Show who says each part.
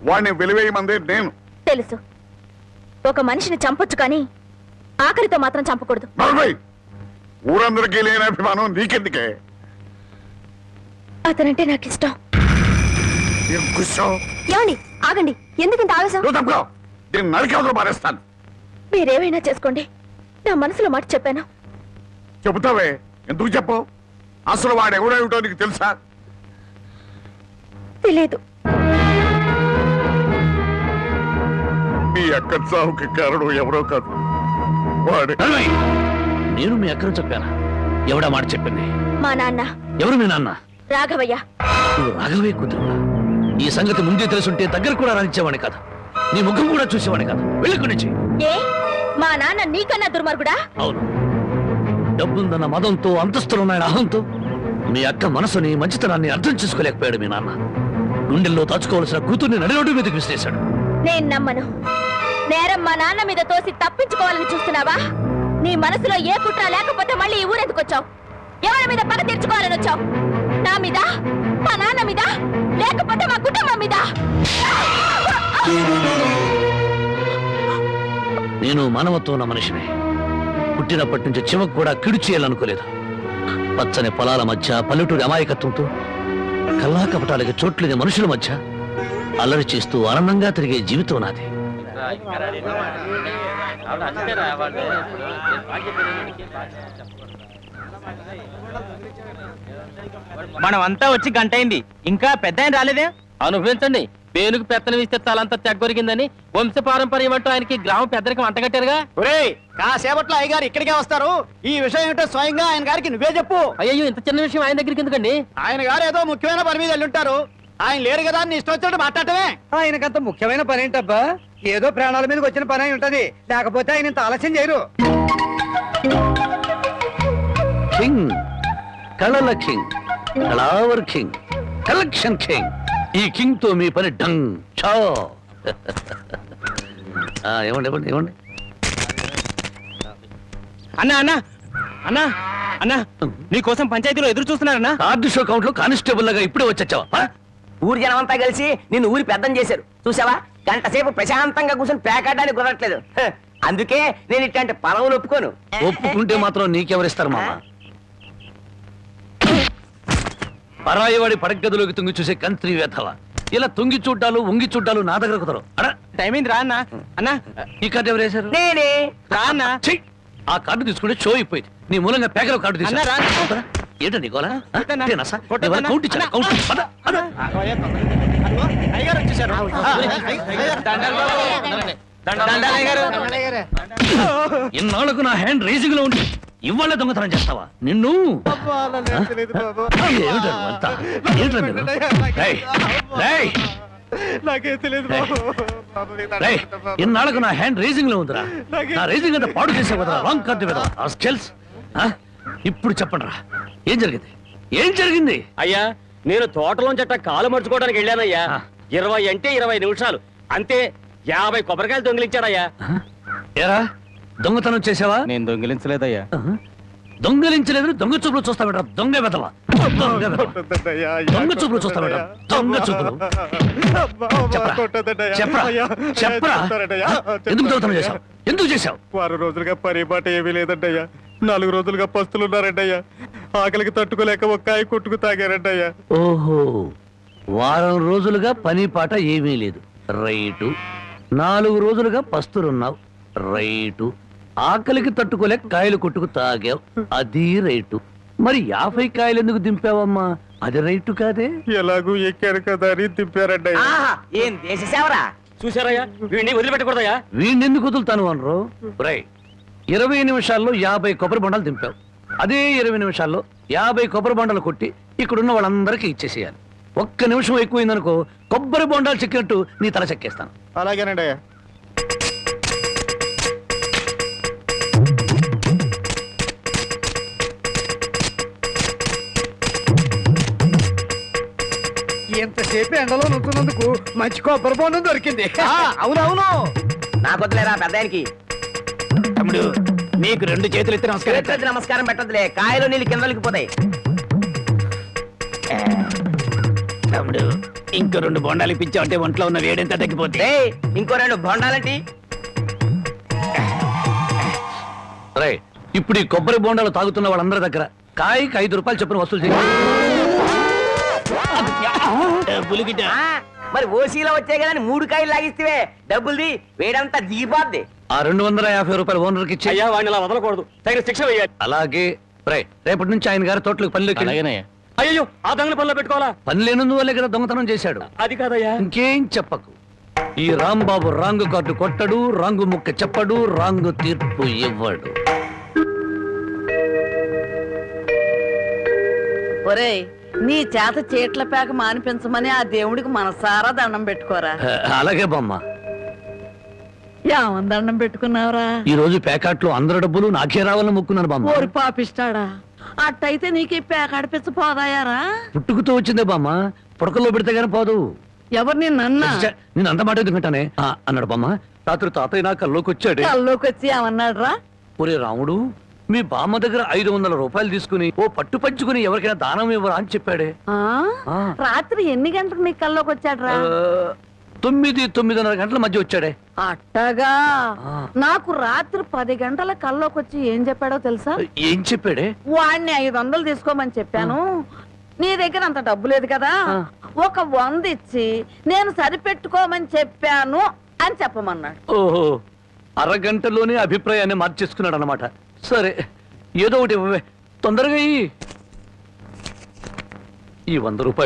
Speaker 1: వాడిని వెలివేయమంది నేను.
Speaker 2: తెలుసు, ఒక మనిషిని చంపొచ్చు కానీ ఆఖరితో మాత్రం చంపకూడదు.
Speaker 1: ఊరందరికీ లేని అభిమానం నీకెందుకే?
Speaker 2: అతనంటే నాకు ఇష్టం. ఏమండి, ఆగండి. ఎందుకు ఇంత ఆవేశం?
Speaker 1: నరికేవతలు మారేస్తాను.
Speaker 2: మీరేమైనా చేసుకోండి, నా మనసులో మాట చెప్పాను.
Speaker 1: చెబుతావే, ఎందుకు చెప్పు? అసలు వాడు ఎవడేమిటో నీకు తెలుసా?
Speaker 2: తెలీదు.
Speaker 1: మీ అక్క చావుకి కారణం ఎవరో కాదు, వాడే.
Speaker 3: నేను మీ అక్కను చెప్పానా? ఎవడా మాట చెప్పింది?
Speaker 2: మా నాన్న.
Speaker 3: ఎవరు మీ నాన్న?
Speaker 2: రాఘవయ్య.
Speaker 3: నువ్వు రాఘవయ్య కూతురువా? ఈ సంగతి ముందే తెలుసుంటే దగ్గర కూడా రానిచ్చేవాడి కాదు, నీ ముఖం కూడా చూసేవాడి కాదు. వెళ్ళి నుంచి.
Speaker 2: ఏ, మా నాన్న నీకన్నా దుర్మార్గుడా?
Speaker 3: అవును, డబ్బుందన్న మదంతో, అంతస్తులున్నాయన అహంతో మీ అక్క మనసుని, మంచితనాన్ని అర్థం చేసుకోలేకపోయాడు మీ నాన్న. గుండెల్లో దాచుకోవాల్సిన కూతుర్ని నడిరోడ్డు మీదకి విసిరేశాడు.
Speaker 2: నేను నమ్మను. నేరం మా నాన్న మీద తోసి తప్పించుకోవాలని చూస్తున్నావా? నీ మనసులో ఏ కుట్ర లేకపోతే మళ్ళీ ఈ ఊరెందుకు వచ్చావు? ఎవరి మీద పగ తీర్చుకోవాలని వచ్చావు? నా మీద, మా నాన్న మీద, లేకపోతే మా కుటుంబం మీద?
Speaker 3: నేను మానవత్వం ఉన్న మనిషిని. పుట్టినప్పటి నుంచి చివకు కూడా కిడు చేయాలనుకోలేదు. పచ్చని పొలాల మధ్య, పల్లెటూరి అమాయకత్వంతో, కల్లా కపటాలకి చోట్లేని మనుషుల మధ్య అల్లరి చేస్తూ ఆనందంగా తిరిగే జీవితం నాది.
Speaker 4: మనమంతా వచ్చి గంట అయింది, ఇంకా పెద్ద ఆయన రాలేదే?
Speaker 5: అనుభవించండి. పేనుకు పెత్తనం ఇస్తే తలంతా తెగ్గొరిగిందని వంశ పారంపర్యం అంటూ ఆయనకి గ్రామ పెద్దరికి వంటగట్టారుగా.
Speaker 4: ఒరేయ్, కాసేపట్లో అయ్యగారు ఇక్కడికే వస్తారు. ఈ విషయం ఏంటో స్వయంగా ఆయన గారికి నువ్వే చెప్పు.
Speaker 5: అయ్యో, ఇంత చిన్న విషయం ఆయన దగ్గరికి ఎందుకండి?
Speaker 4: ఆయన గారు ఏదో ముఖ్యమైన పని మీద వెళ్ళుంటారు. ఆయన లేరు కదా అని ఇష్టం వచ్చినట్టు మాట్లాడటమే.
Speaker 6: ఆయనకంత ముఖ్యమైన పని ఏంటబ్బా? ఏదో ప్రాణాల మీదకి వచ్చిన పని అయి ఉంటది, లేకపోతే ఆయన ఇంత ఆలస్యం చేయరు.
Speaker 3: కింగ్, కళల కింగ్, కళావర్ కింగ్, కలెక్షన్ కింగ్. ఈ కింగ్ తో మీ పని డంగ్ చో. ఏమండి ఏమండి ఏమండి
Speaker 4: అన్నా అన్నా అన్నా అన్నా, నీకోసం పంచాయతీలో ఎదురు చూస్తున్నారన్నా.
Speaker 3: కార్డు షో కౌంట్ లో కానిస్టేబుల్ లాగా ఇప్పుడే వచ్చావా?
Speaker 7: ఊరి జనమంతా కలిసి నిన్ను ఊరి పెద్దం చేశారు చూసావా? గంట సేపు ప్రశాంతంగా కూర్చొని పేకాడడానికి కుదరట్లేదు. అందుకే నేను ఇట్లాంటి పదవులు ఒప్పుకోను.
Speaker 3: ఒప్పుకుంటే మాత్రం నీకెవరిస్తారు మామ? పరాయివాడి పడగదిలోకి తుంగి చూసే కంత్రి వేధవ. ఇలా తుంగి చూడ్డాలు, ఉంగి చూడ్డాలు నా దగ్గర కుదరవు.
Speaker 4: టైం అయింది, రా అన్నా. అన్నా,
Speaker 3: ఈ కార్డు ఎవరు వేశారు?
Speaker 7: నేనే.
Speaker 4: రా అన్నా.
Speaker 3: ఆ కార్డు తీసుకుంటే షో అయిపోయింది. నీ మూలంగా పేకలో కార్డు తీసుకున్నా. ఏంటో నీకోలా? ఇన్నాళ్లకు నా హ్యాండ్ రేసింగ్ లో ఉండి ఇవాళ దొంగతనం చేస్తావా? నిన్ను ఇన్నాళ్లకు నా హ్యాండ్ రేసింగ్ లో ఉందిరా. నా రేసింగ్ అంతా పాడు చేసే కదా రాంగ్ కార్డు కదా. ఇప్పుడు చెప్పండి రా, ఏం జరిగింది? ఏం జరిగింది?
Speaker 5: అయ్యా, నేను తోటలోంచట కాలు మర్చుకోవడానికి వెళ్ళానయ్యా. 20 అంటే 20 నిమిషాలు అంతే. 50 కొబ్బరికాయలు దొంగిలించాడయ్యా.
Speaker 3: ఏరా, దొంగతనం చేసావా?
Speaker 4: నేను దొంగిలించలేదయ్యా.
Speaker 3: దొంగలించలేదు, దొంగ చూపులు చూస్తా బెట. దొంగ వెదవా, దొంగ చూపులు చూస్తా బెట. దొంగ చూపులు. చెప్పరా చెప్పరా, ఎందుకు దొంగతనం చేశావు? ఎందుకు చేశావు?
Speaker 4: 6 రోజులుగా పరిపాట ఏమీ లేదంటయ్యా. 4 రోజులుగా పస్తులున్నారంటయ్యా. ఆకలికి తట్టుకోలేక ఒక్కాయ కొట్టుకు తాగారంటయ్యా.
Speaker 3: ఓహో, వారం రోజులుగా పని పాట ఏమీ లేదు. రైటు. 4 రోజులుగా పస్తులున్నావు. రైటు. ఆకలికి తట్టుకోలేక కాయలు కొట్టుకు తాగావు. అది రైటు. మరి 50 కాయలు ఎందుకు దింపావమ్మా? అది రైటు కాదే.
Speaker 4: ఎలాగూ ఎక్కారు కదా అని దింపారంటయ్యా.
Speaker 7: ఏం దేశ సేవరా?
Speaker 5: చూసారయ్యా, వీడిని వదిలిపెట్టకూడదయ్యా.
Speaker 3: వీడిని ఎందుకు వదులుతాను అనరు? రై, 20 నిమిషాల్లో 50 కొబ్బరి బొండాలు దింపావు. అదే 20 నిమిషాల్లో 50 కొబ్బరి బొండాలు కొట్టి ఇక్కడున్న వాళ్ళందరికీ ఇచ్చేసేయాలి. 1 నిమిషం ఎక్కువైందనుకో, కొబ్బరి బొండాలు చెక్కినట్టు నీ తల చెక్కేస్తాను.
Speaker 4: అలాగేనండి అయ్యా.
Speaker 6: ఎంతసేపు ఎండలో నుంచున్నందుకు మంచి కొబ్బరి బొండం దొరికింది.
Speaker 7: అవునవును, నాకొద్దులేరా పెద్దానికి.
Speaker 4: తమ్ముడు, నీకు 2 చేతులు ఎత్తి నమస్కారం.
Speaker 7: నమస్కారం పెట్టదులే, కాయలు నీళ్ళు కిందలకి పోతాయి.
Speaker 4: తమ్ముడు,
Speaker 3: ఇంకో 2 బొండాలు ఇప్పించావంటే ఒంట్లో ఉన్న వేడెంత తగ్గిపోతే
Speaker 7: ఏయ్, ఇంకో 2 బొండాలంటి.
Speaker 3: రే ఇప్పుడు ఈ కొబ్బరి బొండాలు తాగుతున్న వాళ్ళందరి దగ్గర కాయకి 5 రూపాయలు చొప్పున వసూలు చేయాలి.
Speaker 7: ఆ, మరి ఓసీలో వచ్చాయి కదా అని 3 కాయలు లాగిస్తే డబ్బుల్ది వేడంతా దిగిపోద్ది.
Speaker 3: ఆ 250 రూపాయలు ఓనర్కి ఇచ్చి
Speaker 5: అయ్యా వాడిని అలా వదలకూడదు, తగిన శిక్ష వేయాలి.
Speaker 3: అలాగే రే రేపటి నుంచి ఆయన గారి తోటలకు పనిలోకి
Speaker 5: అయ్యో ఆ దొంగల పనిలో పెట్టుకోవాలా?
Speaker 3: పని లేనందువల్లే కదా దొంగతనం చేశాడు.
Speaker 5: అది కాదయ్యా.
Speaker 3: ఇంకేం చెప్పకు. ఈ రాంబాబు రాంగు కార్డు కొట్టడు, రాంగు ముక్క చెప్పడు, రాంగు తీర్పు ఇవ్వడు.
Speaker 8: ఒరేయ్, నీ చేత చీట్ల పేక మానిపించమని ఆ దేవుడికి మనసారా దండం పెట్టుకోరా.
Speaker 3: అలాగే బామ్మ.
Speaker 8: ఏమని దండం పెట్టుకున్నావురా?
Speaker 3: ఈ రోజు ప్యాకెట్లో అందరి డబ్బులు నాకే రావాలని మొక్కున్నాను బామ్మ.
Speaker 8: ఓరి పాపిస్తాడా, అట్టయితే నీకు ఈ పేక అడిపించ పోదాయారా?
Speaker 3: పుట్టుకుతో వచ్చిందే బామ్మ, పుడకల్లో పెడితే గానీ పోదు.
Speaker 8: ఎవరు నిన్నన్నా?
Speaker 3: నేను అంత మాట ఎందుకంటానే అన్నాడు బామ్మ. రాత్రి తాతయ్య నా కల్లోకి వచ్చాడు.
Speaker 8: కల్లోకి వచ్చి ఏమన్నాడు రా?
Speaker 3: ఒరే రాముడు, మీ బామ్మ దగ్గర 500 రూపాయలు తీసుకుని ఓ పట్టు పంచుకుని ఎవరికైనా దానం ఇవ్వరా అని చెప్పాడే. ఆ.
Speaker 8: రాత్రి ఎన్ని గంటలకు నీ కల్లోకి వచ్చాడు రా?
Speaker 3: 9-9:30 గంటల మధ్య వచ్చాడే.
Speaker 8: అట్టగా
Speaker 3: ఆ.
Speaker 8: నాకు రాత్రి 10 గంటల కల్లోకి వచ్చి ఏం చెప్పాడో తెలుసా?
Speaker 3: ఏం చెప్పాడే?
Speaker 8: వాడిని 500 తీసుకోమని చెప్పాను. నీ దగ్గర అంత డబ్బు లేదు కదా, ఒక 100 ఇచ్చి నేను సరిపెట్టుకోమని చెప్పాను అని చెప్పమన్నాడు.
Speaker 3: ఓహో, అరగంటలోనే అభిప్రాయాన్ని మార్చేసుకున్నాడు అనమాట. సరే ఏదో ఒకటి ఇవ్వవే, తొందరగా ఈ 100 రూపాయలు